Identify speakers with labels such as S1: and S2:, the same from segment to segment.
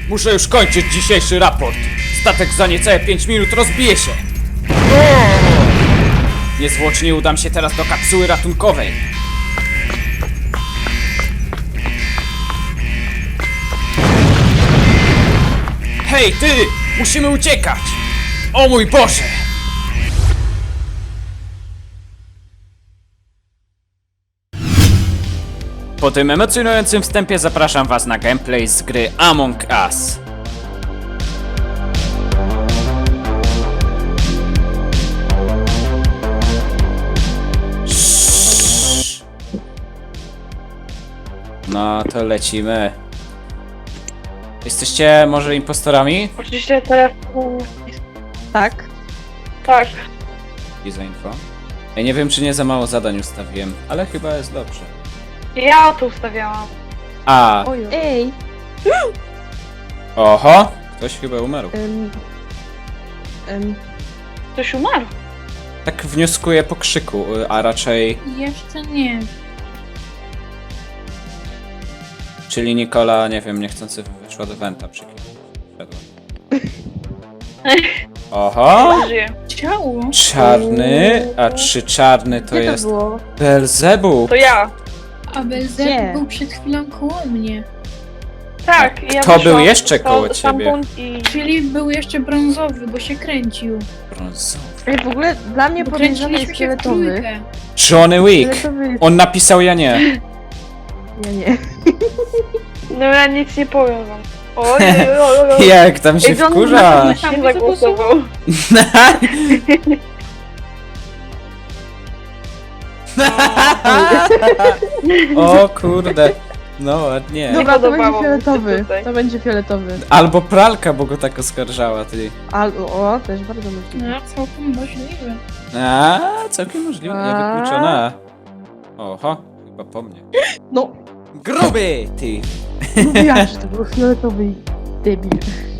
S1: Muszę już kończyć dzisiejszy raport. Statek za niecałe 5 minut rozbije się. Niezwłocznie udam się teraz do kapsuły ratunkowej. Hej, ty! Musimy uciekać! O mój Boże! Po tym emocjonującym wstępie zapraszam was na gameplay z gry Among Us. No to lecimy. Jesteście może impostorami?
S2: Oczywiście telefon.
S3: Tak.
S2: Tak.
S1: I za info. Ja nie wiem, czy nie za mało zadań ustawiłem, ale chyba jest dobrze.
S2: Ja to ustawiałam.
S1: A,
S3: Ej!
S1: oho! Ktoś chyba umarł.
S2: Ktoś umarł.
S1: Tak wnioskuję po krzyku, a raczej...
S4: Jeszcze nie.
S1: Czyli Nikola, nie wiem, niechcący wyszła do Wenta przy kimś. Oho!
S2: Żyje.
S4: Ciało.
S1: Czarny, a czy czarny to
S3: Gdzie
S1: jest
S3: to było?
S1: Belzebub?
S2: To ja.
S4: A
S3: Gdzie?
S4: Belzebub był przed chwilą koło mnie.
S2: Tak. Ja
S1: Kto był
S2: wyszłam
S1: jeszcze koło ciebie?
S2: stamtąd I...
S4: Czyli był jeszcze brązowy, bo się kręcił.
S1: Brązowy.
S3: Ej, w ogóle dla mnie
S4: Bo
S3: podejrzany jest
S4: kręciliśmy się w
S3: fioletowy.
S4: trójkę.
S1: Johnny Wick!
S3: Fioletowy jest...
S1: On napisał, ja nie.
S3: Ja nie.
S2: No ja nic nie powiem wam. Oj, oj, oj, oj.
S1: Jak tam się
S2: Ej, John
S1: wkurza?
S2: na mnie zagłosował.
S1: O kurde. No ładnie.
S3: Dobra, to będzie
S2: podobało mi się
S3: fioletowy.
S2: tutaj.
S3: To będzie fioletowy.
S1: Albo pralka, bo go tak oskarżała, ty.
S3: O, też bardzo możliwe.
S4: No, całkiem możliwe.
S1: A, całkiem możliwe, niewykluczone. Oho, chyba po mnie.
S3: No,
S1: Gruby, ty!
S3: mówiłaś, że to był fioletowy debil.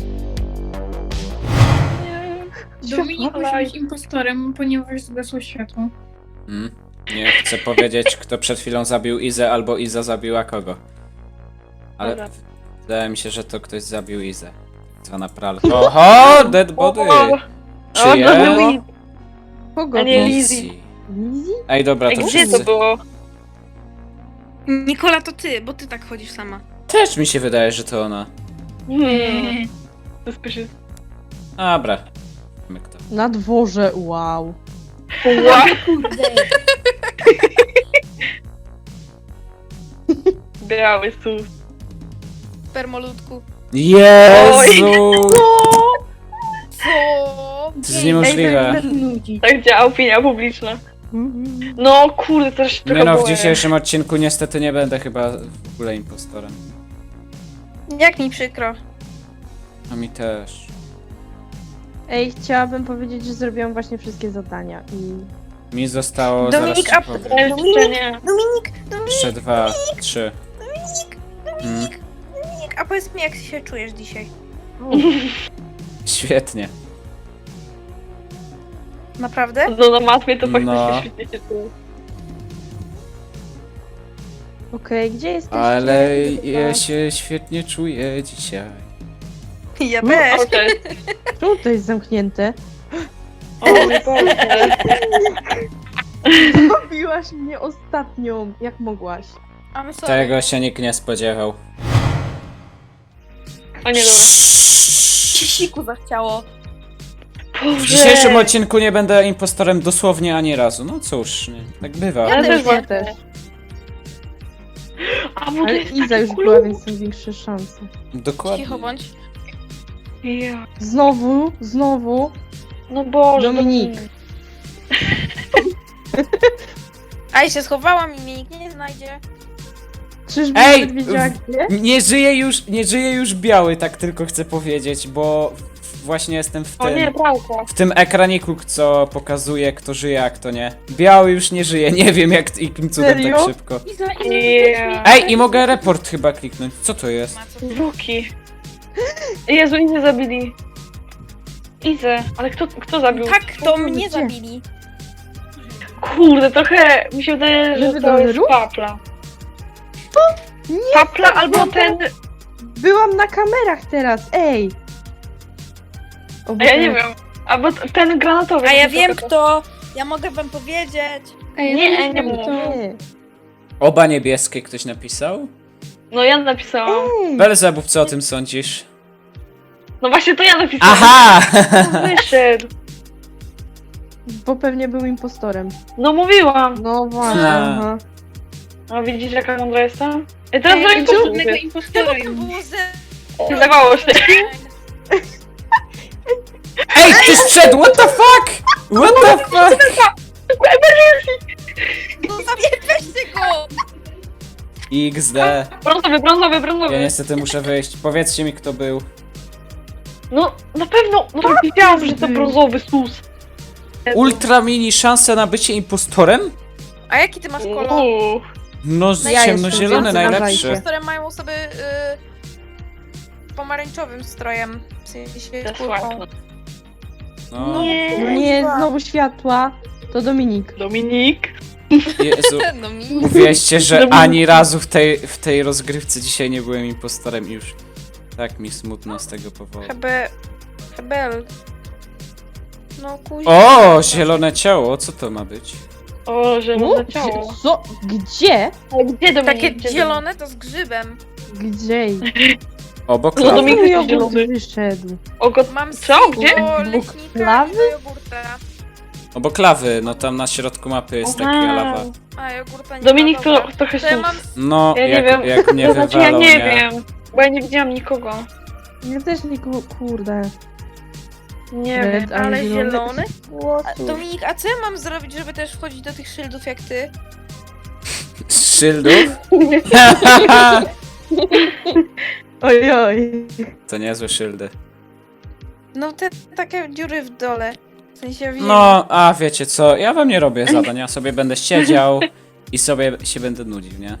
S4: Dominik musi być impostorem, ponieważ zgasło światło.
S1: Nie chcę powiedzieć, kto przed chwilą zabił Izę, albo Iza zabiła kogo. Ale
S2: Dobra.
S1: wydaje mi się, że to ktoś zabił Izę. Tak zwana pralka. Oho, dead body!
S2: O,
S1: Czyje?
S2: to był Liz.
S3: Kogo?
S2: A nie
S3: to?
S2: Lizzie.
S3: Lizzie?
S1: Ej, dobra,
S2: Ej,
S1: to
S2: gdzie to
S1: wszyscy.
S2: było?
S5: Nikola, to ty, bo ty tak chodzisz sama.
S1: Też mi się wydaje, że to ona.
S2: Suspicious.
S1: Dobra. Wiemy kto.
S3: Na dworze, wow.
S2: Wow. Biały sus.
S5: Permolutku.
S1: Jezu!
S5: Co?
S1: To jest niemożliwe.
S2: Tak działa opinia publiczna.
S3: Mhm.
S2: No kurde, też się
S1: Nie
S2: trochę
S1: no, w
S2: boję.
S1: dzisiejszym odcinku niestety nie będę chyba w ogóle impostorem.
S5: Jak mi przykro.
S1: A mi też.
S3: Ej, chciałabym powiedzieć, że zrobiłam właśnie wszystkie zadania i...
S1: Mi zostało
S5: Dominik,
S1: zaraz ci
S5: a-
S1: powiem.
S2: Jeszcze nie.
S5: Dominik,
S1: Jeszcze 2, 3.
S5: Dominik, a powiedz mi, jak się czujesz dzisiaj?
S1: Świetnie.
S5: Naprawdę?
S2: No na matmie to faktycznie
S1: No.
S2: świetnie się czuję.
S3: Okej, gdzie jesteście?
S1: Ale ja się świetnie czuję dzisiaj.
S5: Ja też.
S2: Okej.
S3: Czemu to jest zamknięte?
S2: O mój Boże.
S3: Zabiłaś mnie ostatnią, jak mogłaś.
S5: A my sorry.
S1: Tego się nikt nie spodziewał.
S2: O nie, dobra.
S5: Siku zachciało.
S1: W dzisiejszym odcinku nie będę impostorem dosłownie ani razu. No cóż, nie, tak bywa.
S2: Ja też
S3: Ja
S2: właśnie.
S3: też.
S2: A bo to
S3: Ale
S2: jest
S3: Iza już
S2: taki
S3: była,
S2: klub.
S3: więc są większe szanse.
S1: Dokładnie.
S5: Cicho bądź.
S2: Ja.
S3: Znowu.
S2: No Boże.
S3: Dominik.
S5: A i się schowałam i mnie nikt nie znajdzie.
S3: Czyżby
S1: Ej,
S3: nawet wiedziała gdzie?
S1: Nie żyje już biały, tak tylko chcę powiedzieć, bo właśnie jestem w
S2: O nie,
S1: tym,
S2: pralka.
S1: w tym ekraniku, co pokazuje, kto żyje, a kto nie. Biały już nie żyje, nie wiem jakim cudem tak
S3: Serio?
S1: szybko.
S2: Yeah.
S1: Ej, i mogę report chyba kliknąć. Co to jest?
S5: Ma co ty.
S2: Luki. Jezu, Izę zabili. Izę, ale kto zabił?
S5: Tak, to
S3: Gdzie?
S5: mnie zabili.
S2: Kurde, trochę mi się wydaje, że
S3: Żeby
S2: to jest
S3: do
S2: Papla.
S3: Nie,
S2: Papla albo ten...
S3: Byłam na kamerach teraz, ej! O
S2: A ja
S3: Boże.
S2: nie wiem. Albo ten granatowy.
S5: A ja
S2: taki
S5: wiem
S2: trochę.
S5: kto. Ja mogę wam powiedzieć.
S4: Ej,
S2: Nie,
S4: no
S2: nie
S4: wiem,
S2: mów.
S4: to...
S3: Nie.
S1: Oba niebieskie ktoś napisał?
S2: No ja napisałam.
S3: Ej!
S1: Belzebub, co o tym sądzisz?
S2: No właśnie to ja napisałam.
S1: Aha!
S2: Wyszedł.
S3: Bo pewnie był impostorem.
S2: No mówiłam.
S3: No właśnie,
S1: A.
S3: aha.
S2: No widzisz jaka mądra jestem? I teraz
S4: Ej,
S2: zrobię
S4: ja żadnego
S2: impostora.
S4: impostora
S5: Czemu tam
S4: już.
S5: było ze...
S2: Zdawało się.
S1: Ej, ktoś wszedł! What the fuck? What the fuck?
S5: No weźcie go!
S1: XD.
S2: Brązowy, brązowy,
S1: Ja
S2: brązowy.
S1: niestety muszę wyjść. Powiedzcie mi, kto był.
S2: No na pewno. No to wiedziałam, że to brązowy sus.
S1: Ultra mini szanse na bycie impostorem?
S5: A jaki ty masz kolor?
S2: Uuu.
S1: No,
S3: Ja
S1: ciemnozielony
S3: jestem,
S1: najlepszy.
S3: uważajcie.
S5: Które mają osoby pomarańczowym strojem. W sensie
S2: To
S5: kurką.
S2: słabo.
S1: No,
S3: No nie, znowu światła. To Dominik.
S2: Dominik.
S1: Jezu.
S5: No mi.
S1: Uwierzcie, że
S2: Dominik.
S1: ani razu w tej rozgrywce dzisiaj nie byłem impostorem i już. Tak mi smutno z tego powodu.
S5: Hebel. No kuźwa.
S1: O, zielone ciało, co to ma być?
S2: O, zielone ciało.
S3: Co? Gdzie?
S2: Ale gdzie Dominik?
S5: Takie
S2: Gdzie
S5: zielone to z grzybem.
S3: Gdzie?
S1: Obok
S2: No,
S1: lawy.
S2: Dominik
S3: Mój
S2: jest
S3: jogurt
S2: zielony.
S3: wyszedł.
S5: Mam
S2: Co? Gdzie?
S5: do
S3: Bóg
S5: leśnika
S3: lawy?
S5: i do jogurta.
S1: Obok lawy, no tam na środku mapy jest taka
S2: Aha.
S1: lawa.
S5: A jogurta nie
S2: Dominik
S5: ma,
S2: to
S5: dobra.
S2: trochę
S5: To ja
S2: sus.
S5: mam...
S1: No,
S2: Ja nie
S1: jak,
S2: wiem.
S1: jak mnie
S2: To znaczy ja
S1: wywalą,
S2: nie wiem. Bo ja nie widziałam nikogo.
S3: Ja też nie kurde.
S2: Nie
S3: Red,
S2: wiem.
S5: Ale
S3: zielony?
S5: zielony? A,
S3: Łosu.
S5: Dominik, a co ja mam zrobić, żeby też wchodzić do tych szyldów jak ty?
S1: Z szyldów?
S3: Oj, oj.
S1: To niezłe szyldy.
S5: No te takie dziury w dole. W sensie wiem.
S1: No, a wiecie co, ja wam nie robię zadań, ja sobie będę siedział i sobie się będę nudził, nie?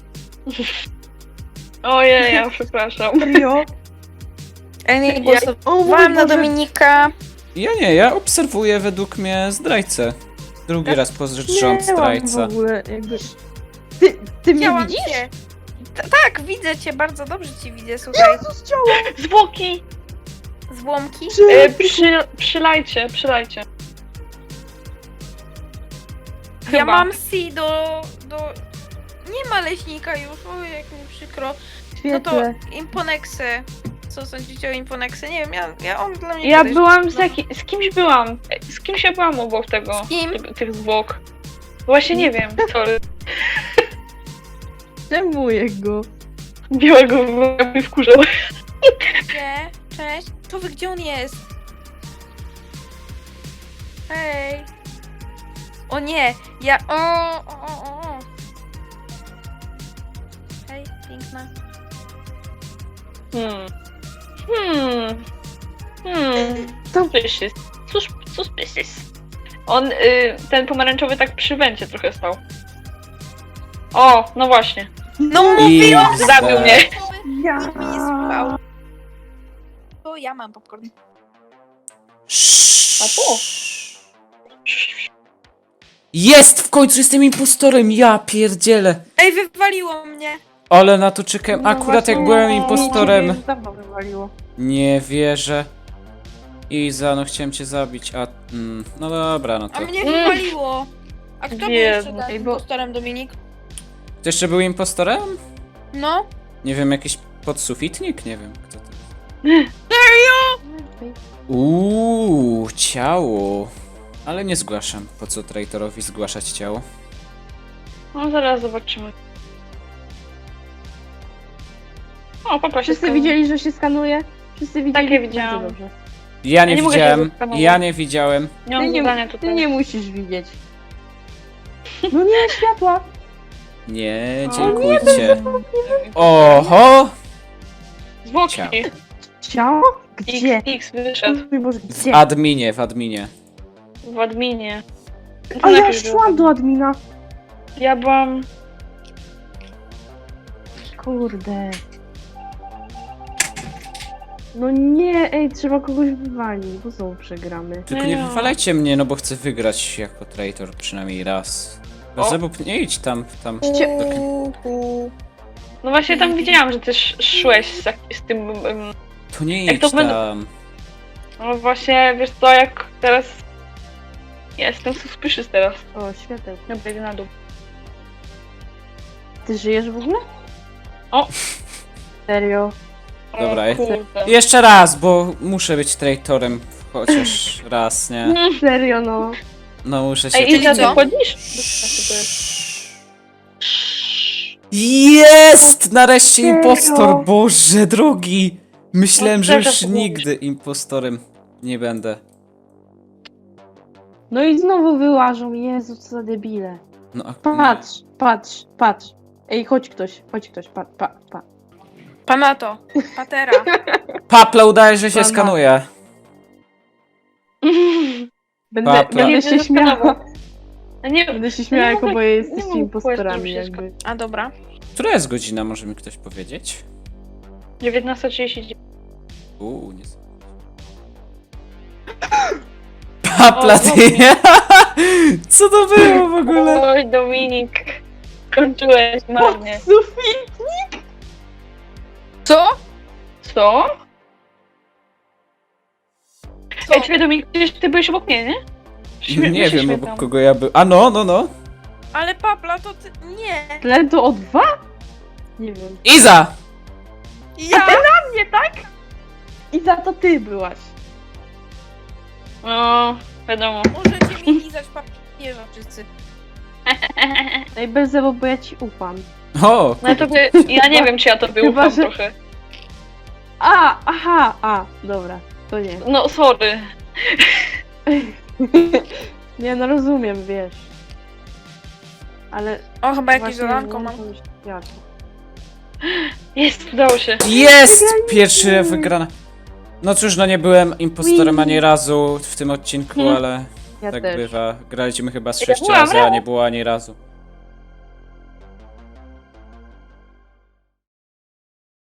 S2: Ojej, ja przepraszam.
S3: Serio?
S5: Ja nie
S3: O mój
S5: głosowałam na
S3: Boże.
S5: Dominika.
S1: Ja nie, ja obserwuję według mnie zdrajcę. Drugi raz po rząd
S3: Miałam
S1: zdrajca.
S3: w ogóle jakby... Ty mnie
S5: Widziałam
S3: widzisz?
S5: cię. Tak, widzę cię, bardzo dobrze cię widzę, słuchaj.
S3: Jezus, ciało!
S2: Zwłoki!
S5: Złomki.
S2: Przylajcie.
S5: Ja
S2: Chyba.
S5: mam C do... Nie ma leśnika już, oj jak mi przykro. No to
S3: Świetle.
S5: Imponexy. Co sądzicie o Imponexy? Nie wiem, on dla mnie
S2: Ja
S5: kiedyś-
S2: byłam
S5: no.
S2: z kimś byłam. Z kimś ja byłam obok tego.
S5: Z kim?
S2: Tych zwłok. Właśnie nie wiem. Sorry.
S3: Czemu jego?
S2: Białego mnie wkurzał.
S5: Gdzie? Cześć. Człowiek, gdzie on jest? Hej. O nie, ja... O. Hej, piękna.
S2: Suspicious. Suspicious. On, ten pomarańczowy tak przy węcie trochę stał. O, no właśnie.
S5: No
S1: I
S5: mówiłam, że
S2: Zabił mnie.
S3: Ja.
S5: Nikt mnie nie słuchał. To ja mam popcorn.
S2: A tu?
S1: Jest! W końcu jestem impostorem! Ja pierdzielę!
S5: Ej, wywaliło mnie.
S1: Ale na to czekałem. Akurat jak byłem
S3: Mnie
S1: impostorem.
S3: już dawno wywaliło.
S1: Nie wierzę. Iza, no chciałem cię zabić, a... no dobra, no to...
S5: A mnie wywaliło. A kto był
S2: Jezu.
S5: jeszcze tak
S3: Ej, bo-
S5: impostorem, Dominik?
S1: Ty jeszcze był impostorem?
S5: No.
S1: Nie wiem, jakiś podsufitnik? Nie wiem, kto to jest. Ciało. Ale nie zgłaszam. Po co traitorowi zgłaszać ciało?
S2: No zaraz zobaczymy. O, papa się
S3: Wszyscy
S2: skazał.
S3: widzieli, że się skanuje? Wszyscy widzieli?
S2: ja widziałam.
S3: Bardzo dobrze.
S1: Ja nie
S2: nie mogę
S1: widziałem.
S2: tego zeskanować.
S1: Ja nie widziałem.
S2: Nie mam
S3: Ty
S2: zadania
S3: nie, ty
S2: tutaj.
S3: nie musisz widzieć. No nie, światła!
S1: Nie, dziękujcie. Oho!
S2: Zwłoki.
S1: Ciao.
S3: Ciało? Gdzie?
S2: X wyszedł
S3: Mój Boże,
S1: W
S3: gdzie?
S1: adminie, w adminie.
S2: w adminie.
S3: A ja
S2: najpierw
S3: szłam do admina.
S2: Ja byłam...
S3: Kurde. No nie, ej, trzeba kogoś wywalić, bo znowu przegramy.
S1: Tylko nie wywalajcie mnie, no bo chcę wygrać jako traitor przynajmniej raz.
S2: O.
S1: Zebub, nie idź tam.
S3: Ście-
S2: No właśnie tam widziałam, że też szłeś z tym...
S1: To nie
S2: Jak
S1: idź
S2: to będą-
S1: tam.
S2: No właśnie, wiesz co, jak teraz... Ja jestem suspicious teraz.
S3: O, świateł.
S2: Dobra, idę na dół.
S3: Ty żyjesz w ogóle?
S2: O!
S3: Serio?
S1: Dobra,
S2: O, kurde.
S1: Jeszcze raz, bo muszę być traitorem chociaż raz, nie?
S3: Serio, no.
S1: No muszę się...
S2: Ej, Iza,
S5: co?
S2: ty chodzisz? Bez sensu to jest.
S1: Jest! Nareszcie
S3: Serio?
S1: impostor! Boże drogi! Myślałem,
S2: No,
S1: że już
S2: teraz to było.
S1: nigdy impostorem nie będę.
S3: No i znowu wyłażą, Jezu, co za debile.
S1: No,
S3: Patrz. Ej, chodź ktoś, pa.
S5: Panato, patera.
S1: Papla udaje, że się
S3: Pana.
S1: skanuje. Papla.
S3: Będę
S2: Nie,
S3: się
S2: nie
S3: śmiała.
S2: zastanawiam. A nie,
S3: Będę się śmiała,
S2: nie
S3: jako
S2: mogę-
S3: boję
S2: nie
S3: jesteście
S2: mogę
S3: impostorami
S2: powiedzieć wszystko.
S3: jakby.
S5: A dobra.
S1: Która jest godzina, może mi ktoś powiedzieć?
S2: 19:39.
S1: Nie znam. Papla,
S2: O,
S1: ty! Co to było w ogóle?
S2: Oj, Dominik. Skończyłeś marnie.
S3: Sufit!
S5: Co?
S2: Co?
S5: Co?
S2: Ej, czekaj, Dominik, przecież ty byłeś obok mnie, nie?
S1: Nie wiem,
S2: śmieszam.
S1: obok kogo ja był. A no.
S5: Ale papla to ty... Nie.
S3: Tlen to o 2? Nie wiem.
S1: Iza!
S5: Ja?
S3: Nie tak? I za to ty byłaś.
S2: No, wiadomo.
S5: Możecie mi lizać papieża wszyscy.
S3: Ej, Belzebo, bo ja ci ufam.
S1: O!
S2: No to by, ja nie wiem, czy ja to
S3: Chyba,
S2: ufam
S3: że-
S2: trochę.
S3: Dobra, to nie.
S2: No, sorry.
S3: Nie, no rozumiem, wiesz. Ale
S5: O, chyba jakieś
S3: właśnie
S5: zadanko
S3: nie
S5: mam.
S3: wiem, jak.
S2: Jest, udało się.
S1: Jest! Pierwszy wygrana. No cóż, no nie byłem impostorem ani razu w tym odcinku, ale
S3: Ja
S1: tak
S3: też.
S1: bywa. Graliśmy chyba z
S2: Ja
S1: 6
S2: byłam
S1: razy, a
S2: razem.
S1: nie było ani razu.